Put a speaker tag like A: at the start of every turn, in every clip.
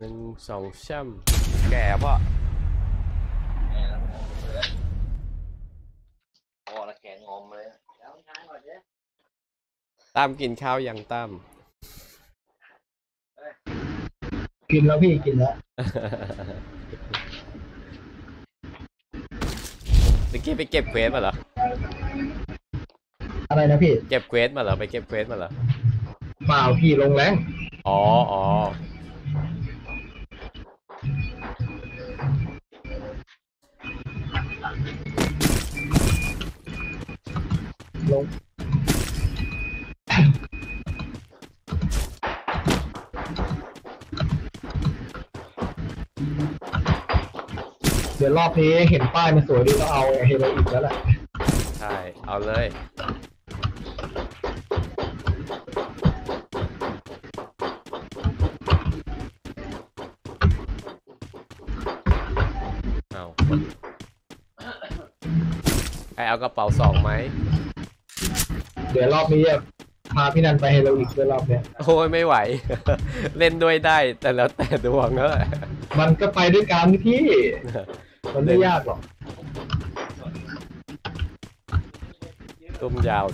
A: 1 2ช่
B: แก่ป่ะพอละแขนงอมเลย
A: ตั้มกินข้าวยังตั้ม
C: กินแล้วพี่กินแล้ว
A: เมื่อกี้ไปเก็บเควสมาเหรอ
C: อะไรนะพี่
A: เก็บเควสมาเหรอไปเก็บเควสมาเหรอ
C: เปล่าพี่ลงแรง
A: อ๋อ
C: ลงเดี๋ยวรอบนี้เห็นป้ายมันสวยดีต้องเอาเฮโรอีกแล้วแหละ
A: ใช่เอาเลยเอาใครเอากระเป๋า2ไหม
C: เดี๋ยวรอบนี้จะพาพี่นันไปเฮโรอีกด้วยรอบเนี้ย
A: โอ้ยไม่ไหว เล่นด้วยได้แต่แล้วแต่ดวงเนอะ
C: มันก็ไปด้วยกันพี่มันไม่ยากหรอก
A: ซุ่มยาว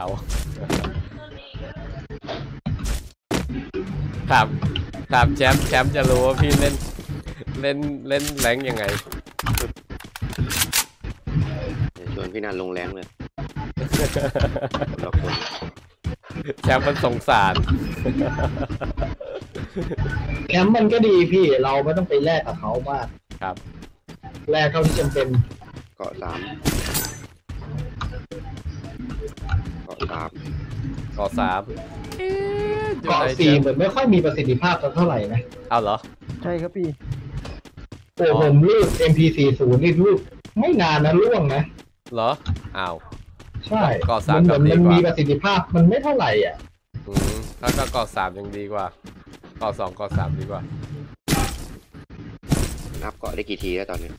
A: ถามแชมป์จะรู้ว่าพี่เล่นแรงยังไง
B: ชวนพี่นันลงแรงเลย
A: แชมป์มันสงสาร
C: แคมป์มันก็ดีพี่เราไม่ต้องไปแลกกับเขามาก
A: ครับ
C: แลกเท่าที่จำเป็น
B: เกาะ3เกาะ
C: 4เหมือนไม่ค่อยมีประสิทธิภาพเท่าไหร่นะ
A: เอาเหรอ
D: ใช่ครับพี่
C: โอ้ผมรูด MP40 นี่รูดไม่นานนะล่วงนะ
A: เหรออ้าว
C: ใช่มันเหมือนมันมีประสิทธิภาพมันไม่เท่าไหร่อ่ะ
A: ถ้าก็เกาะ3ยังดีกว่าเกาะ2เกาะ3ดีกว่า
B: นับเกาะได้กี่ทีแล้วตอนนี้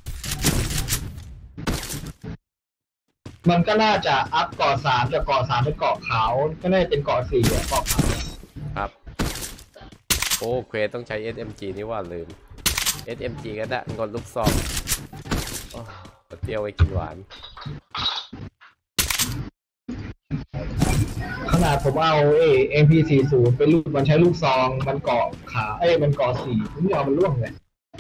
C: มันก็น่าจะอัพเกาะ3จากเกาะ3เป็นเกาะขาวก็น่าจะเป็นเกาะ4อ่ะเกาะขาว
A: ครับโอ้เควสต้องใช้ SMG นี่ว่าลืม SMG ก็ได้งดลูกซองเตี้ยวไว้กินหวาน
C: ขนาดผมเอาMP40 ไปลูกมันใช้ลูกซองมันเกาะขามันเกาะ4ผมยอมมันล่วงเลย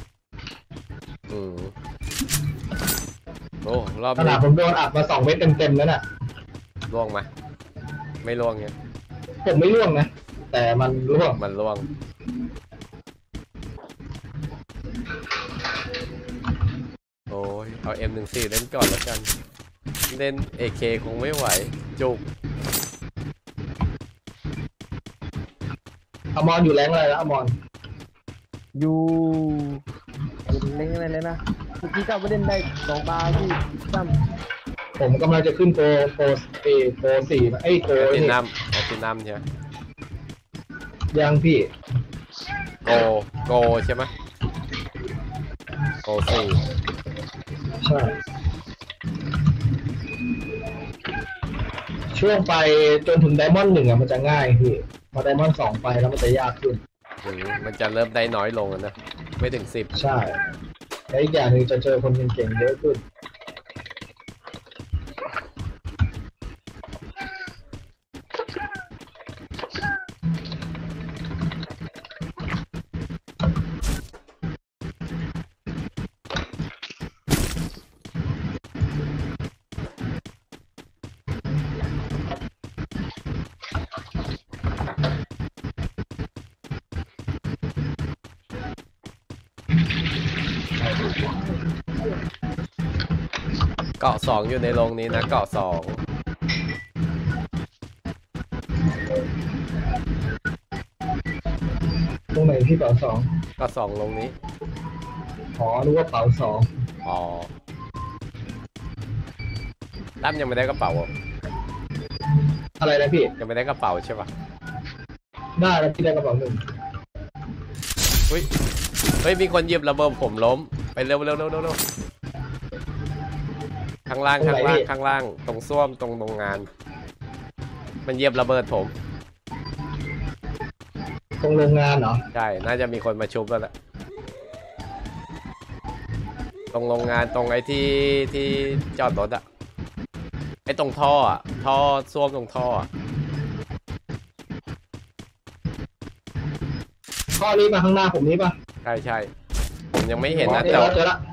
A: โอ้รอบ
C: ขนาดผมโดนอัดมา2 เม็ดเต็มแล้วน่ะ
A: ล่วงไหมไม่ล่วงเนี่ย
C: ผมไม่ล่วงนะแต่มันล่วง
A: โอ้ยเอา M14 เล่นก่อนแล้วกันเล่น AK คงไม่ไหวจุก
C: อมรอยู่แรงอะไรแล้วอมร
D: อยู่เล่นอะไรเลยนะเมื่อกี้ก็ไปเล่นได้2 ตาที่ตั้ม
C: ผมกำลังจะขึ้นโปร4โปร
A: ตินัมใช่ไหม
C: ยังพี่
A: โกใช่ไหมโก4
C: ใช่ช่วงไปจนถึงไดมอนด์1อ่ะมันจะง่ายพี่พอไดมอนด์2ไปแล้วมันจะยากขึ้น
A: มันจะเริ่มได้น้อยลงนะไม่ถึง10
C: ใช่และอีกอย่างหนึ่งจะเจอคนเก่งๆเยอะขึ้น
A: เกาะ2อยู่ในโรงนี้นะเกาะ2
C: ตรงไหนที่เป๋า2
A: เกาะ2โรงนี้
C: รู้ว่าเป๋า2
A: ตั้มยังไม่ได้กระเป๋า
C: อะไรนะพี่
A: ยังไม่ได้กระเป๋าใช่ปะ
C: ได้แล้วพี่ได้กระเป๋า1
A: เฮ้ยมีคนหยิบระเบิดผมล้มไปเร็วข้างล่างตรงส้วมตรงงานมันเหยียบระเบิดผม
C: ตรงโรงงานเหรอ
A: ใช่ น่าจะมีคนมาชุบแล้วแหละตรงโรงงานตรงไอ้ที่จอดรถอะไอ้ตรงท่ออะท่อส้วมตรงท่ออะ
C: ข้อนี้มาข้างหน้าผมนี้ป่ะ
A: ใช่ใช่ผมยังไม่เห็นนะ
C: เจ
A: แต่
C: อแล้วเจอแล้ว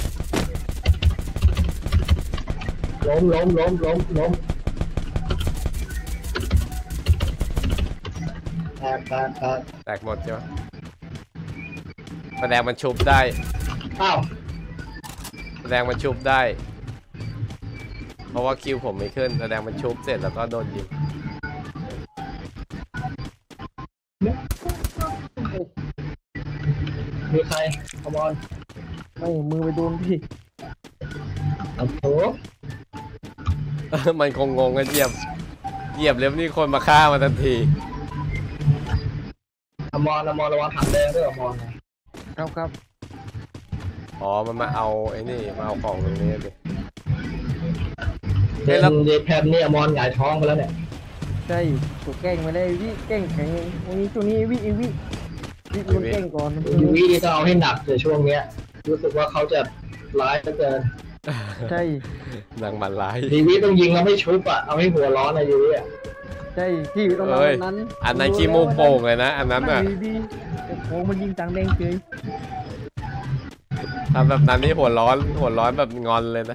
C: ล้มแตก
A: แตกหมดใช่ไหมแสดงมันชุบได้
C: อ้าว
A: แสดงมันชุบได้ เพราะว่าคิวผมไม่ขึ้นแสดงมันชุบเสร็จแล้วก็โดนยิง
C: มีใครคอมอน
D: ไม่มือไปโดนพี่
C: โอ้โห
A: มันคงงงกันเหยียบแล้วนี่คนมาฆ่ามาทันที
C: อมอนระวังถังแดงด้วยอมอนนะครับ
D: ครับ
A: อ๋อ มันมาเอาไอ้นี่มาเอาของตรงนี้ดิ
C: เดนเดแพนเนี่ยอมอนหงายท้องไปแล้วเนี่ย
D: ใช่ถูกแกล้งมาได้วิแกล้งแข็งวันนี้ช่วงนี้วิโดนแกล้งก่อน
C: ยูวีนี่ต้องเอาให้หนักเลยช่วงเนี้ย รู้สึกว่าเขาจะร้ายเหลือเกิน
D: ใช่
A: นางมันร้าย
C: ยูวีต้องยิงแล้วไม่ชุบอ่ะเอาให้หัวร้อนนะยูวีอ่ะ
D: ใช่ที่ตรง
A: เอ้ย
D: นั้น
A: อันนั้นขี้มูกโป่งเลยนะ อันนั้น
D: นั่
A: อ่ะ
D: งดีๆแต่โค้งมันยิงตังแดงเฉย
A: ทำแบบนั้นนี่หัวร้อนแบบงอนเลยนะ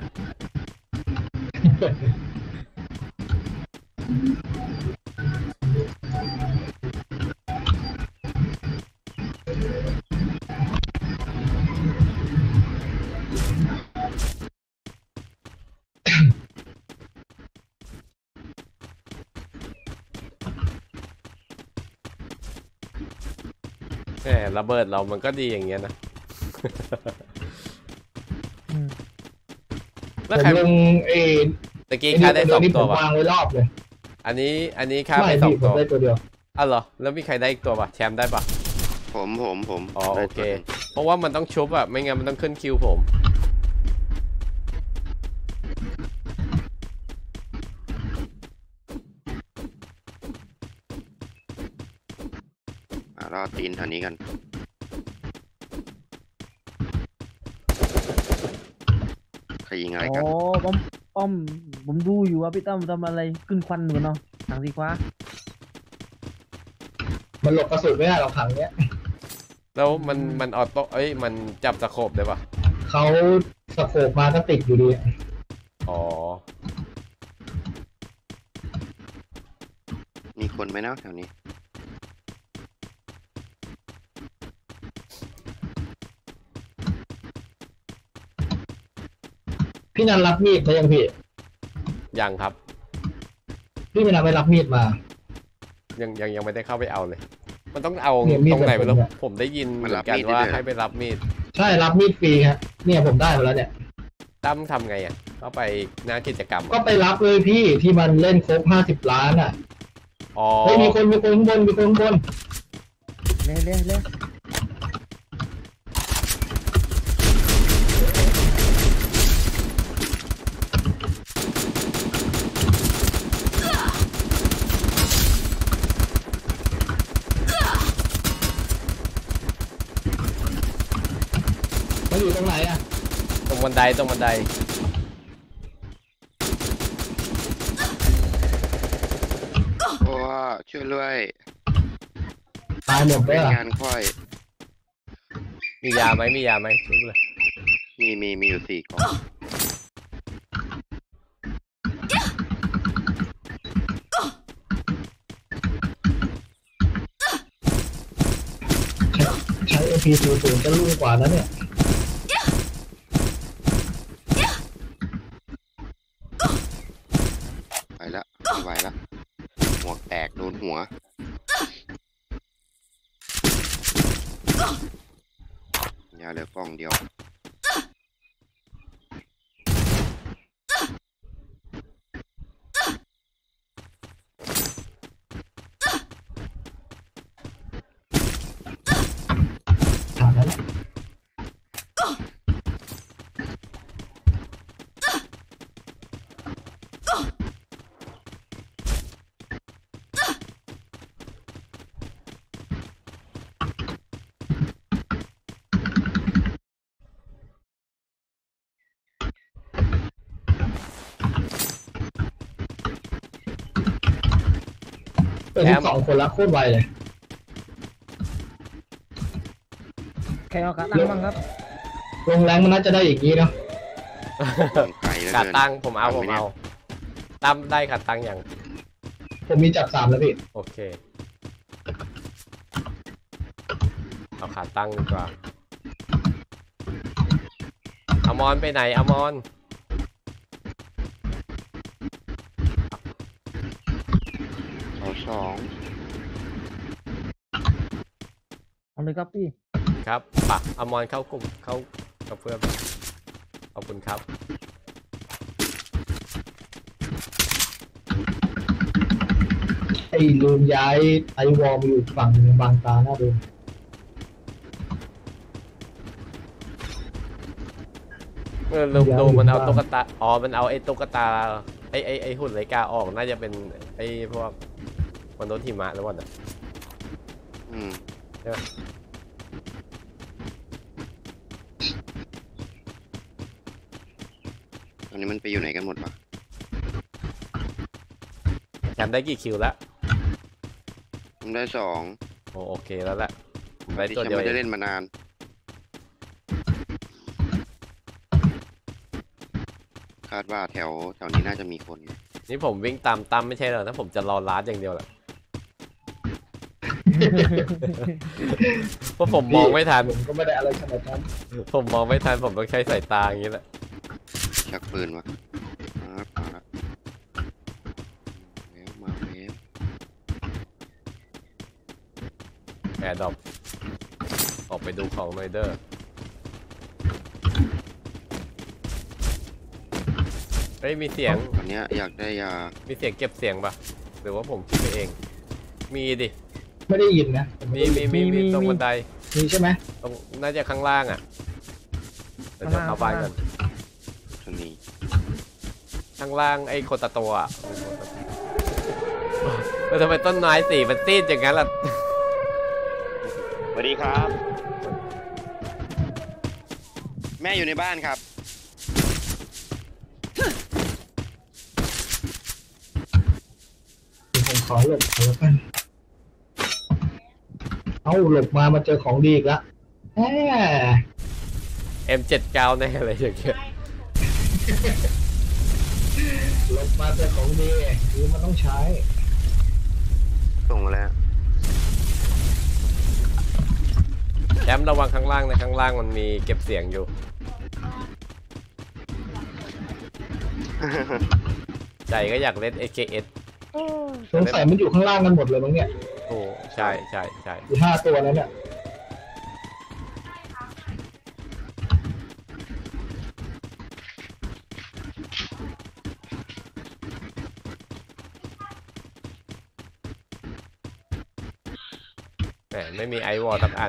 A: แหมระเบิดเรามันก็ดีอย่างเงี้ยนะ
D: อืม
A: แล้ว
C: ผม
A: ใคร
C: ลงเอ
A: ตะกี้ฆ่าได้สอง
C: นี่ผ
A: ตัว
C: ม
A: ป่ะ
C: วางไว้รอบเลย
A: อันนี้ฆ่า
C: ไม่
A: ไปสอง
C: พี่ผ
A: ตั
C: ม
A: ว
C: ได้ตัวเดียว
A: อ้าวเหรอ แล้วมีใครได้อีกตัวป่ะ แชมป์ได้ป่ะ
B: ผม
A: อ๋อ
B: ได้
A: โอเค
B: ตัวหนึ่ง
A: เพราะว่ามันต้องชุบอะไม่งั้นมันต้องขึ้นคิวผม
B: รอตีนแถวนี้กัน ใครยิงอะไร
D: อ๋
B: กัน
D: อป้อมผมดูอยู่ว่าพี่ตั้มทำอะไรขึ้นควันอยู่เนาะทางสีฟ้า
C: มันหลบกระสุนไม่ได้หรอกถังเนี้ย
A: แล้วมันออโต้เอ้ย มันจับสโคปได้ป่ะ
C: เขาสโคปมาก็ติดอยู่ดี
A: อ๋อ
B: มีคนไหมนะแถวนี้
C: พี่นันรับมีดเขายังพี่
A: ยังครับ
C: พี่ไม่นันไปรับมีดมา
A: ยังไม่ได้เข้าไปเอาเลย มันต้องเอา
C: เนี่ยมีด
A: ตรงไหนไม่รู้
C: แบบผมเนี่ย
A: ผมได้ยินเห
B: มัน
A: มือ
B: รับ
A: นกัน
B: มีดได้
A: ว่า
B: ด้วยเหรอ
A: ให้ไปรับมีด
C: ใช่รับมีดฟรีครับเนี่ยผมได้มาแล้วเนี่ย
A: ตั้มทำไงอ่ะเข้าไปหน้ากิจกรรม
C: ก็
A: อะ
C: ไปรับเลยพี่ที่มันเล่นครบ50 ล้านอ่ะ
A: อ๋อ
C: เฮ้ยมีคนข้างบนมีคนข้างบน
D: เร็ว
C: มันอยู่ตรงไหนอ่ะ
A: ตรงบันได
B: โอ้ช่วยด้วย
C: ตายหมดเล
B: เป็
C: ย
B: น
C: อ่ะ
B: งานค่อย
A: มียาไหมชุบเลย
B: มีอยู่4 กล่อง
C: ใช้ MP00 จะรุ่งกว่านั้นเนี่ย
B: ไปละไม่ไหวละหัวแตกโดนหัว ยาเหลือกล่องเดียว
C: เป็น12 คนแล้วโคตรไวเลย
D: ใครเอาขาตั้งบ้างครับ
C: ลงแรงมันน่าจะได้อย่างนี้เนาะ
B: ไกลแล้ว
A: ขา
B: เกิน
A: ตั้งผมเอาตั้มได้ขาตั้งอย่าง
C: ผมมีจับ3แล้วพี่
A: โอเคเอาขาตั้งดีกว่าอมรไปไหนอมร
B: สอง
D: เอาเลยครับพี่
A: ครับปะอมรเข้ากลุ่มเข้ากับเพื่อนขอบคุณครับ
C: ไอ้ลืมย้ายไอวอลมาอยู่อีกฝั่งหนึงบางตาหน้าดู
A: ลืมดูมันเอาตุ๊กตาอ๋อมันเอาไอ้ตุ๊กตาไอ้หุ่นไลกาออกน่าจะเป็นไอ้พวกมนุษย์หิมะหรือเปล่าเนี่ย
B: อืม
A: ใช่ไหม
B: ตอนนี้มันไปอยู่ไหนกันหมดวะ
A: แชมป์ได้กี่คิวแล้ว
B: ผมได้2
A: โอเคแล้วแหละผมได้
B: ที่
A: ตัว
B: ฉัน
A: เดียว
B: ไม่
A: เอ
B: ได้
A: ง
B: เล่นมานานคาดว่าแถวนี้น่าจะมีคน
A: นี่ผมวิ่งตามตั้มไม่ใช่เหรอถ้าผมจะรอลัดอย่างเดียวแหละเพราะผมมองไม่ทัน
C: ผมก็ไม่ได้อะไรขนาดนั้น
A: ผมมองไม่ทันผมต้องใช้สายตาอย่างนี้แหละ
B: ชักปืนวะครับมาแล้วมาแล้ว
A: แอร์ดรอปออกไปดูของหน่อยเด้อเฮ้ยมีเสียง
B: ตอนเนี้ยอยากได้ยา
A: มีเสียงเก็บเสียงปะหรือว่าผมคิดไปเอง มีดิ
C: ไม่ได้ยินนะผม
A: มีตรงบันได
C: มีใช่ไหม
A: ตรงน่าจะข้างล่างอ่ะเดี๋ยวจะเข้าบ้านกัน
B: ตัวนี้
A: ข้างล่างไอ้โคตาโตะแล้วทำไมต้นไม้สีมันซีดอย่างนั้นล่ะ
B: สวัสดีครับ แม่อยู่ในบ้านครับ
C: ผมขอหลบก่อนแล้วกันเอาหลบมาเจอของดีอีกแล้วแหม
A: M79 แน่อะไรอย่างเงี้ย
C: หลบมาเจอของดีคือมันต้องใช้
B: ส่งมาแล้ว
A: แอมระวังข้างล่างนะข้างล่างมันมีเก็บเสียงอยู่ ใจก็อยากเล่น AKS
C: สงสัยมันอยู่ข้างล่างกันหมดเลยมั้งเนี่ย
A: โอ้ใช่ใช่
C: อยู่5 ตัวแล้วเนี่ย
A: แหมไม่มีไอวอลสักอัน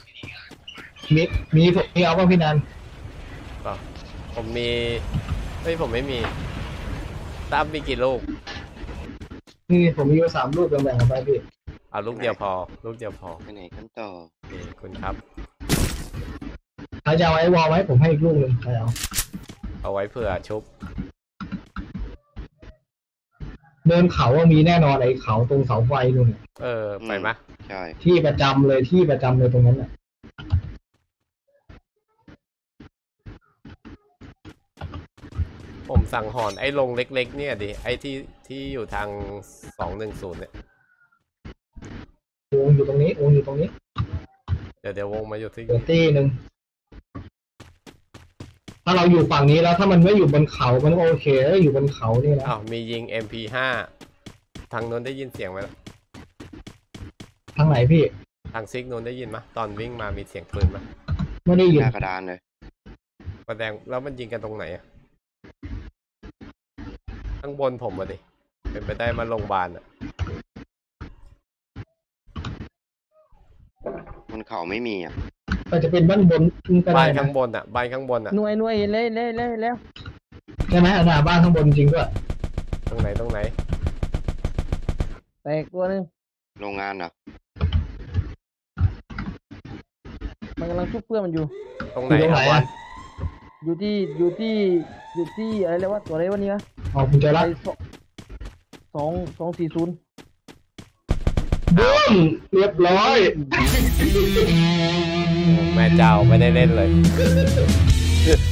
C: มีผมมีเอาป่ะพี่นัน
A: ก็ผมมีเฮ้ยผมไม่มีตั้มมีกี่ลูก
C: นี่ผมมีอยู่3 ลูกแบ่งๆกันไปพี่
A: เอาลูกเดียวพอ ลูกเดียวพอ
B: ไปไหนกันต่อ
A: โอเคคุณครับ
C: ใครจะเอาไอ้วอลไว้ผมให้อีกลูกหนึ่งใครเอา
A: เอาไว้เผื่อชุบ
C: เดินเขาว่ามีแน่นอนไอ้เขาตรงเสาไฟนู่นน่ะ
A: ไปมะ
B: ใช่
C: ที่ประจำเลยตรงนั้นน่ะ
A: ผมสั่งหอนไอ้ลงเล็กๆเนี่ยดิไอ้ที่อยู่ทาง210เนี่ยว
C: งอยู่ตรงนี้วงอยู่ตรงนี้
A: เดี๋ยววงมาอยู่ที่
C: เดี๋ยวตีหนึ่งถ้าเราอยู่ฝั่งนี้แล้วถ้ามันไม่อยู่บนเขามันก็โอเคถ้าอยู่บนเขานี่นะ
A: อ้าวมียิง MP5 ทางโน้นได้ยินเสียงไหมล่ะ
C: ทางไหนพี่
A: ทางซิกโน้นได้ยินไหมตอนวิ่งมามีเสียงปืนไหม
C: ไม่ได้ยิน
B: หน้ากระดานเลย
A: แสดงแล้วมันยิงกันตรงไหนอะข้างบนผมอะดิเป็นไปได้มาโรงพยาบาลอะ
B: บนเขาไม่มีอ่ะ
C: อาจจะเป็นบ้านบนก็ได้
A: บ้าน
C: นะ
A: ข้างบนอะบ้านข้างบนอะ
D: หน่วยเห็นเลยแล้ว
C: ใช่ไหมหน้าบ้านข้างบนจริงด้วย
A: ตรงไหน
D: แตกตัวหนึง
B: โรงงานเหรอ
D: มันกำลังชุบเพื่อนมันอยู่
A: ตรงไห
C: อน ยู่ตรงไหน
A: อะ
C: อ่ะ
D: อยู่ที่อะไรเรียกว่าตัวอะไรวะนี่วะ
C: อ๋อคุณเจอละ
D: ไอ้240
C: บึ้มเรียบร้อย
A: โอ้แม่เจ้าไม่ได้เล่นเลย